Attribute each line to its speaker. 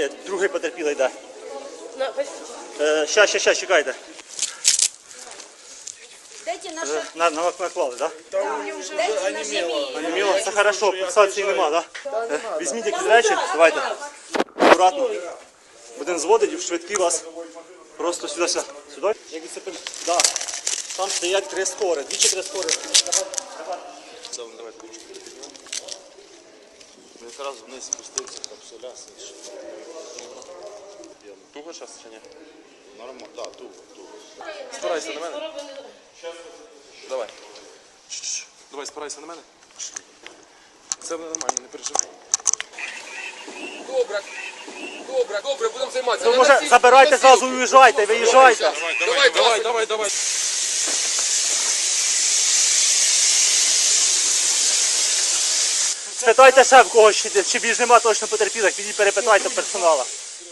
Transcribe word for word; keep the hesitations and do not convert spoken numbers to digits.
Speaker 1: Є, другий потерпілий йде. Щас, щас, щас, чекайте.
Speaker 2: Дайте наши...
Speaker 1: Е, На, на, наклали, так? Да?
Speaker 2: Дайте наши...
Speaker 1: Анеміло, все хорошо, пульсації нема, так? Да? Е, Візьміть якісь речі, давайте. Акуратно. Один зводить і в швидкі вас просто сюди, сюди. Сюди? Як дисциплін... Да. Там стоять три скори, двічі три скори.
Speaker 3: Давай ручки підняв. Ну якраз вниз спустився, капсуля, слиш. Туго зараз чи ні? Нормально, так, да, туго, туго.
Speaker 4: Спирайся на мене. Давай. Давай, спирайся на мене. Це нормально, не переживай.
Speaker 5: Добре. Добре, добре, будемо займатися.
Speaker 1: Ну, може, забирайте зразу і уїжджайте, виїжджайте.
Speaker 4: Давай, давай, давай, давай.
Speaker 1: Спитайте ще в когось, чи, чи більш нема точно потерпілих, підіть перепитайте персонала.